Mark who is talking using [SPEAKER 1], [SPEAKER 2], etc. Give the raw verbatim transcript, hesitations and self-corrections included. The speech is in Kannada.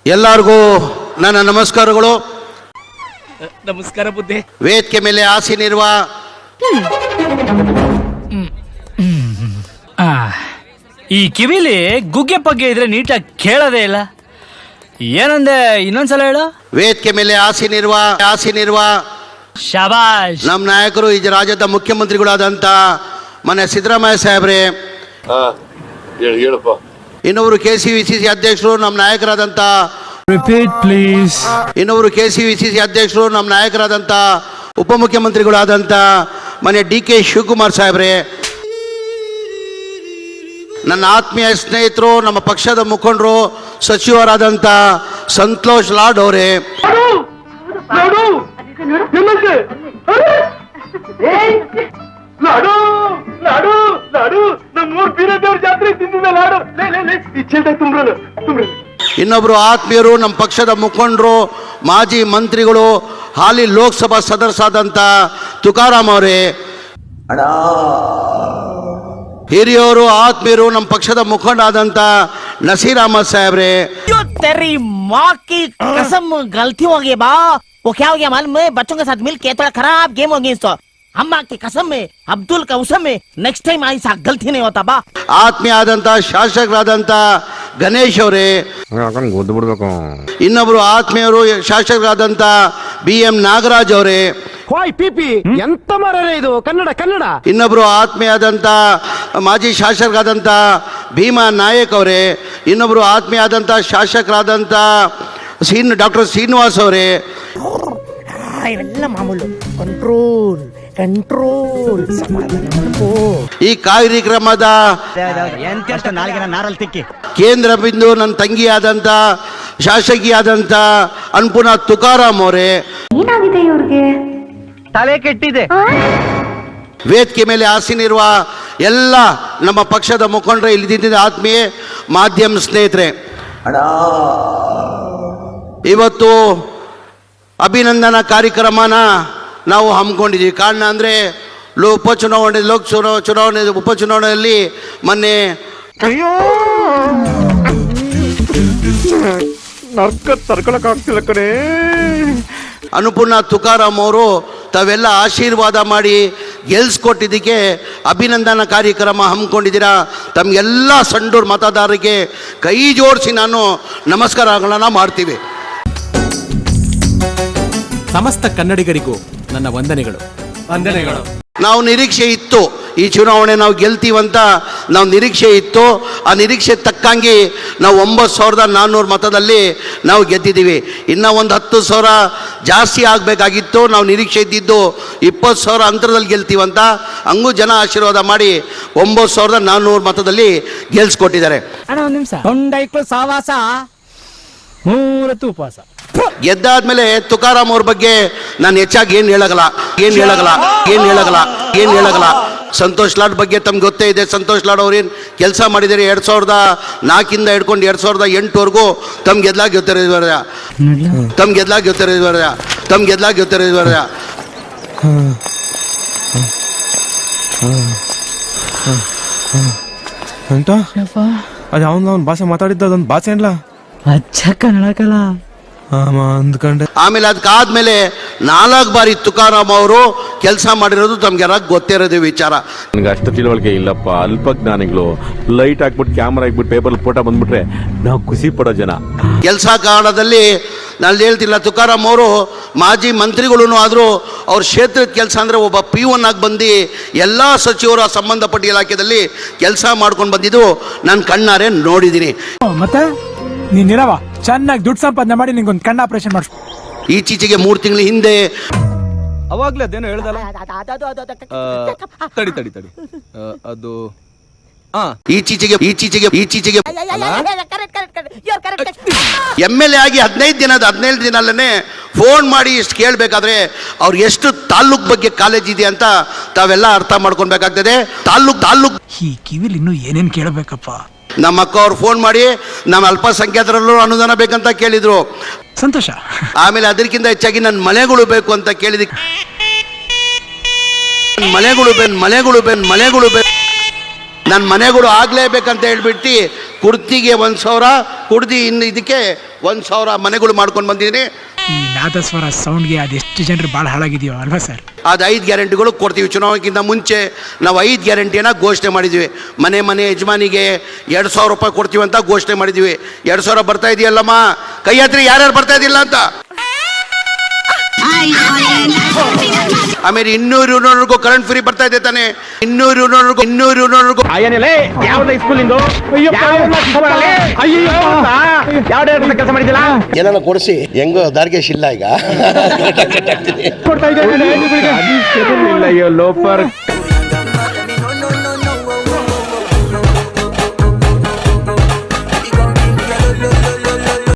[SPEAKER 1] ಎಲ್ಲರಿಗೂ ನನ್ನ ನಮಸ್ಕಾರಗಳು.
[SPEAKER 2] ನಮಸ್ಕಾರ ಬುದ್ಧಿ.
[SPEAKER 1] ವೇದಿಕೆ ಮೇಲೆ ಆಸೀನಿರುವ
[SPEAKER 2] ಈ ಕಿವಿಲಿ ಗುಗ್ಗೆ ಪಗ್ಗೆ ಇದ್ರೆ ನೀಟಾಗಿ ಕೇಳೋದೇ ಇಲ್ಲ. ಏನಂದೆ ಇನ್ನೊಂದ್ಸಲ ಹೇಳು.
[SPEAKER 1] ವೇದಿಕೆ ಮೇಲೆ ಆಸೀನಿರುವ ಆಸೀನಿರುವ
[SPEAKER 2] ಶಾಬಾಷ್.
[SPEAKER 1] ನಮ್ಮ ನಾಯಕರು ಈ ರಾಜ್ಯದ ಮುಖ್ಯಮಂತ್ರಿಗಳಾದಂತ ಮನೆ ಸಿದ್ದರಾಮಯ್ಯ ಸಾಹೇಬ್ರೆ,
[SPEAKER 3] ಹೇಳಪ್ಪ.
[SPEAKER 1] ಇನ್ನೊಬ್ರು K C V C C ಅಧ್ಯಕ್ಷರು ನಮ್ಮ ನಾಯಕರಾದಂತ
[SPEAKER 4] ರಿಪೀಟ್ ಪ್ಲೀಸ್.
[SPEAKER 1] ಇನ್ನೊಬ್ರು K C V C C ಅಧ್ಯಕ್ಷರು ನಮ್ಮ ನಾಯಕರಾದಂತ ಉಪಮುಖ್ಯಮಂತ್ರಿಗಳಾದಂತ ಮನೆ ಡಿ ಕೆ ಶಿವಕುಮಾರ್ ಸಾಹೇಬ್ರೆ, ನನ್ನ ಆತ್ಮೀಯ ಸ್ನೇಹಿತರು, ನಮ್ಮ ಪಕ್ಷದ ಮುಖಂಡರು, ಸಚಿವರಾದಂಥ ಸಂತೋಷ್ ಲಾಡ್ ಅವರೇ, ಇನ್ನೊಬ್ರು ಆತ್ಮೀಯರು, ನಮ್ಮ ಪಕ್ಷದ ಮುಖಂಡರು, ಮಾಜಿ ಮಂತ್ರಿಗಳು, ಹಾಲಿ ಲೋಕಸಭಾ ಸದಸ್ಯರಾದಂಥ ತುಕಾರಾಮ್ ಅವರೇ, ಹಿರಿಯವರು, ಆತ್ಮೀಯರು, ನಮ್ಮ ಪಕ್ಷದ ಮುಖಂಡ ಆದಂತ ನಸೀರ್ ಅಹಮದ್ ಸಾಹೇಬ್ರೆ,
[SPEAKER 5] तेरी माँ की कसम गलती हो गई बा. वो क्या हो गया मालूम है? बच्चों के साथ मिल के थोड़ा खराब गेम हो गई. तो अम्मा की कसम में, अब्दुल का उसम में, नेक्स्ट टाइम ऐसा गलती नहीं होता बा.
[SPEAKER 1] ಆತ್ಮೀಯ ಆದಂತ ಶಾಸಕರಾದಂತ ಗಣೇಶ್ ಅವರೇ, ಇನ್ನೊಬ್ರು ಆತ್ಮೀಯರು ಶಾಸಕರಾದಂತ ಬಿ ಎಂ ನಾಗರಾಜ್ ಅವರೇ,
[SPEAKER 4] ಪಿಪಿ ಎಂತ ಮರೇ ಇದು ಕನ್ನಡ ಕನ್ನಡ.
[SPEAKER 1] ಇನ್ನೊಬ್ರು ಆತ್ಮೀಯಾದಂಥ ಮಾಜಿ ಶಾಸಕರಾದಂಥ ಭೀಮಾ ನಾಯಕ್ ಅವರೇ, ಇನ್ನೊಬ್ರು ಆತ್ಮೀಯ ಆದಂಥ ಶಾಸಕರಾದಂಥ ಸೀನ್ ಡಾಕ್ಟರ್ ಶ್ರೀನಿವಾಸ್ ಅವರೇ.
[SPEAKER 5] ಇವೆಲ್ಲ ಮಾಮೂಲು. Control control.
[SPEAKER 1] ಈ ಕಾರ್ಯಕ್ರಮದ ಕೇಂದ್ರ ಬಿಂದು ನನ್ನ ತಂಗಿಯಾದಂಥ ಶಾಸಕಿಯಾದಂಥ ಅನ್ಪುನಾ ತುಕಾರಾಮ್ ಅವರೇ.
[SPEAKER 6] ಏನಾಗಿದೆ ಇವ್ರಿಗೆ?
[SPEAKER 2] ತಲೆ ಕೆಟ್ಟಿದೆ.
[SPEAKER 1] ವೇದಿಕೆ ಮೇಲೆ ಆಸೀನಿರುವ ಎಲ್ಲ ನಮ್ಮ ಪಕ್ಷದ ಮುಖಂಡರು, ಇಲ್ಲಿದ್ದ ಆತ್ಮೀಯ ಮಾಧ್ಯಮ ಸ್ನೇಹಿತರೆ, ಇವತ್ತು ಅಭಿನಂದನಾ ಕಾರ್ಯಕ್ರಮನ ನಾವು ಹಮ್ಮಿಕೊಂಡಿದ್ದೀವಿ. ಕಾರಣ ಅಂದರೆ ಲೋ ಉಪಚುನಾವಣೆ ಲೋಕ ಚುನಾವ ಚುನಾವಣೆ ಉಪಚುನಾವಣೆಯಲ್ಲಿ ಮೊನ್ನೆ
[SPEAKER 4] ನರ್ಕ ತರ್ಕೊಳಕ್ ಆಗ್ತಿಲ್ಲ ಕಣೇ.
[SPEAKER 1] ಅನುಪೂರ್ಣ ತುಕಾರಾಮ್ ಅವರು ತಾವೆಲ್ಲ ಆಶೀರ್ವಾದ ಮಾಡಿ ಗೆಲ್ಸ್ಕೊಟ್ಟಿದ್ದಕ್ಕೆ ಅಭಿನಂದನಾ ಕಾರ್ಯಕ್ರಮ ಹಮ್ಮಿಕೊಂಡಿದ್ದೀರಾ. ತಮಗೆಲ್ಲ ಸಂಡೂರು ಮತದಾರರಿಗೆ ಕೈ ಜೋಡಿಸಿ ನಾನು ನಮಸ್ಕಾರಗಳನ್ನು ಮಾಡ್ತೀವಿ.
[SPEAKER 7] ಸಮಸ್ತ ಕನ್ನಡಿಗರಿಗೂ ನನ್ನ ವಂದನೆಗಳು ವಂದನೆಗಳು
[SPEAKER 1] ನಾವು ನಿರೀಕ್ಷೆ ಇತ್ತು, ಈ ಚುನಾವಣೆ ನಾವು ಗೆಲ್ತೀವಂತ ನಾವು ನಿರೀಕ್ಷೆ ಇತ್ತು. ಆ ನಿರೀಕ್ಷೆ ತಕ್ಕಂಗೆ ನಾವು ಒಂಬತ್ತು ಸಾವಿರದ ನಾನ್ನೂರು ಮತದಲ್ಲಿ ನಾವು ಗೆದ್ದಿದ್ದೀವಿ. ಇನ್ನೂ ಒಂದು ಹತ್ತು ಸಾವಿರ ಜಾಸ್ತಿ ಆಗಬೇಕಾಗಿತ್ತು. ನಾವು ನಿರೀಕ್ಷೆ ಇದ್ದಿದ್ದು ಇಪ್ಪತ್ತು ಸಾವಿರ ಅಂತರದಲ್ಲಿ ಗೆಲ್ತೀವಂತ. ಹಂಗೂ ಜನ ಆಶೀರ್ವಾದ ಮಾಡಿ ಒಂಬತ್ತು ಸಾವಿರದ ನಾನ್ನೂರು ಮತದಲ್ಲಿ ಗೆಲ್ಸ್ಕೊಟ್ಟಿದ್ದಾರೆ.
[SPEAKER 2] ಅಣ್ಣ ಒಂದು ನಿಮಿಷ. ತೊಂಡೈಕ್ಳು ಸಾವಾಸ ಮೂರತ್ತು ಉಪವಾಸ.
[SPEAKER 1] ಗೆದ್ದಾದ್ಮೇಲೆ ತುಕಾರಾಮ್ ಅವ್ರ ಬಗ್ಗೆ ನಾನು ಹೆಚ್ಚಾಗಿ ಏನು ಹೇಳಗಲ್ಲ ಏನು ಹೇಳಗಲ್ಲ ಏನು ಹೇಳಗಲ್ಲ ಏನು ಹೇಳಗಲ್ಲ ಸಂತೋಷ್ ಲಾಡ್ ಬಗ್ಗೆ ತಮ್ಗೆ ಗೊತ್ತೇ ಇದೆ. ಸಂತೋಷ್ ಲಾಡ್ ಅವ್ರೇನು ಕೆಲಸ ಮಾಡಿದ್ದಾರೆ ಎರಡು ಸಾವಿರದ ನಾಲ್ಕಿಂದ ಹಿಡ್ಕೊಂಡು ಎರಡು ಸಾವಿರದ ಎಂಟುವರೆಗೂ ತಮ್ಗೆ ಗೆದ್ಲಾಗ ಗೊತ್ತಿರೋದ್ವರ ತಮ್ಗೆ ಗೆದ್ಲಾಗ ಗೊತ್ತಿರೋದ್ವರ ತಮ್ಗೆ ಗೆದ್ಲಾಗ ಗೊತ್ತಿರೋದ್ವರ
[SPEAKER 4] ಅಂತ ಅದು ಅವನು ಅವ್ನ ಭಾಷೆ ಮಾತಾಡಿದ್ದ ಅದೊಂದು ಭಾಷೆ ಏನ್ಲ
[SPEAKER 2] ಅಚ್ಚ ಕನ್ನಡಕಲ್ಲ
[SPEAKER 4] ಅಂದ್ಕೊಂಡೆ.
[SPEAKER 1] ಆಮೇಲೆ ಅದಕ್ಕಾದ್ಮೇಲೆ ನಾಲ್ಕು ಬಾರಿ ತುಕಾರಾಮ್ ಅವರು ಕೆಲಸ ಮಾಡಿರೋದು ತಮ್ಗೆಲ್ಲ ಗೊತ್ತಿರೋದು ವಿಚಾರ.
[SPEAKER 3] ನನಗೆ ಅಷ್ಟು ತಿಳುವಳಿಕೆ ಇಲ್ಲಪ್ಪ, ಅಲ್ಪ ಜ್ಞಾನಿಗಳು. ಲೈಟ್ ಹಾಕ್ಬಿಟ್ಟು ಕ್ಯಾಮ್ರಾ ಹಾಕ್ಬಿಟ್ಟು ಪೇಪರ್ ಫೋಟೋ ಬಂದ್ಬಿಟ್ರೆ ನಾವು ಖುಷಿ ಪಡೋ ಜನ.
[SPEAKER 1] ಕೆಲಸ ಕಾರಣದಲ್ಲಿ ನಾನು ಹೇಳ್ತಿಲ್ಲ, ತುಕಾರಾಮ್ ಅವರು ಮಾಜಿ ಮಂತ್ರಿಗಳೂ ಆದರೂ ಅವ್ರ ಕ್ಷೇತ್ರದ ಕೆಲಸ ಅಂದರೆ ಒಬ್ಬ ಪಿ ಒನ್ ಆಗಿ ಬಂದು ಎಲ್ಲ ಸಚಿವರು ಸಂಬಂಧಪಟ್ಟ ಇಲಾಖೆಯಲ್ಲಿ ಕೆಲಸ ಮಾಡ್ಕೊಂಡು ಬಂದಿದ್ದು ನಾನು ಕಣ್ಣಾರೆ ನೋಡಿದ್ದೀನಿ.
[SPEAKER 4] ಮತ್ತೆ ನೀನಿರವ ಚೆನ್ನಾಗಿ ದುಡ್ಡು ಸಂಪಾದನೆ ಮಾಡಿ ನಿಂಗೊಂದು ಕಣ್ಣು ಆಪರೇಷನ್ ಮಾಡಿಸ್.
[SPEAKER 1] ಈಚೀಚೆಗೆ ಮೂರು ತಿಂಗಳ ಹಿಂದೆ
[SPEAKER 7] ಅವಾಗ್ಲೇ ಅದೇನೋ ಹೇಳ್ದಲ್ಲ. ತಡಿ ತಡಿ ತಡಿ ಅದು
[SPEAKER 1] ಈಚೀಚೆಗೆ ಈಚೀಚೆಗೆ ಈಚೀಚೆಗೆ ಎಮ್ ಎಲ್ ಎ ಆಗಿ ಹದಿನೈದು ದಿನದ ಹದಿನೈದು ದಿನಲ್ಲೇ ಫೋನ್ ಮಾಡಿ ಇಷ್ಟು ಕೇಳಬೇಕಾದ್ರೆ ಅವ್ರು ಎಷ್ಟು ತಾಲ್ಲೂಕ್ ಬಗ್ಗೆ ಕಾಲೇಜ್ ಇದೆ ಅಂತ ತಾವೆಲ್ಲ ಅರ್ಥ ಮಾಡ್ಕೊಳ್ಬೇಕಾಗ್ತದೆ. ತಾಲ್ಲೂಕ್ ತಾಲ್ಲೂಕ್
[SPEAKER 4] ಈ ಕಿವಿಲಿ ಇನ್ನೂ ಏನೇನು ಕೇಳಬೇಕಪ್ಪ.
[SPEAKER 1] ನಮ್ಮ ಅಕ್ಕ ಅವ್ರು ಫೋನ್ ಮಾಡಿ ನಮ್ಮ ಅಲ್ಪಸಂಖ್ಯಾತರಲ್ಲೂ ಅನುದಾನ ಬೇಕಂತ ಕೇಳಿದ್ರು.
[SPEAKER 4] ಸಂತೋಷ.
[SPEAKER 1] ಆಮೇಲೆ ಅದಕ್ಕಿಂತ ಹೆಚ್ಚಾಗಿ ನನ್ನ ಮನೆಗಳು ಬೇಕು ಅಂತ ಕೇಳಿದಕ್ಕೆ ಮನೆಗಳು ಬೇನ್ ಮನೆಗಳು ಬೇನ್ ಮನೆಗಳು ಬೇನ್ ನನ್ನ ಮನೆಗಳು ಆಗಲೇಬೇಕಂತ ಹೇಳ್ಬಿಟ್ಟು ಕುರ್ತಿಗೆ ಒಂದು ಸಾವಿರ ಕುಡ್ದಿ ಇನ್ನು ಇದಕ್ಕೆ ಒಂದು ಸಾವಿರ ಮನೆಗಳು ಮಾಡ್ಕೊಂಡು ಬಂದಿದ್ದೀನಿ.
[SPEAKER 4] ಈ ನಾದಸ್ವರ ಸೌಂಡ್ಗೆ ಅದೆಷ್ಟು ಜನರು ಭಾಳ ಹಾಳಾಗಿದೆಯೋ ಅಲ್ವಾ ಸರ್?
[SPEAKER 1] ಅದು ಐದು ಗ್ಯಾರಂಟಿಗಳು ಕೊಡ್ತೀವಿ. ಚುನಾವಣೆಗಿಂತ ಮುಂಚೆ ನಾವು ಐದು ಗ್ಯಾರಂಟಿಯನ್ನು ಘೋಷಣೆ ಮಾಡಿದ್ವಿ. ಮನೆ ಮನೆ ಯಜಮಾನಿಗೆ ಎರಡು ಸಾವಿರ ರೂಪಾಯಿ ಕೊಡ್ತೀವಿ ಅಂತ ಘೋಷಣೆ ಮಾಡಿದ್ವಿ. ಎರಡು ಸಾವಿರ ಬರ್ತಾ ಇದೆಯಲ್ಲಮ್ಮ, ಕೈ ಹತ್ರ ಯಾರ್ಯಾರು ಬರ್ತಾ ಇದಿಲ್ಲ ಅಂತ. ಆಮೇಲೆ ಇನ್ನೂರು ಯೂನಿವರೆಗೂ ಕರೆಂಟ್ ಫ್ರೀ ಬರ್ತಾ ಇದೆ ತಾನೆ. ಇನ್ನೂರು ಯೂನಿವರೆಗೂ ಇನ್ನೂರು ಯೂನಿವರೆಗೂ
[SPEAKER 6] ಏನಾನ ಕೊಡಿಸಿ ಹೆಂಗೋ ದಾರ್ಗೇಶ್ ಇಲ್ಲ ಈಗ
[SPEAKER 3] ಲೋಪರ್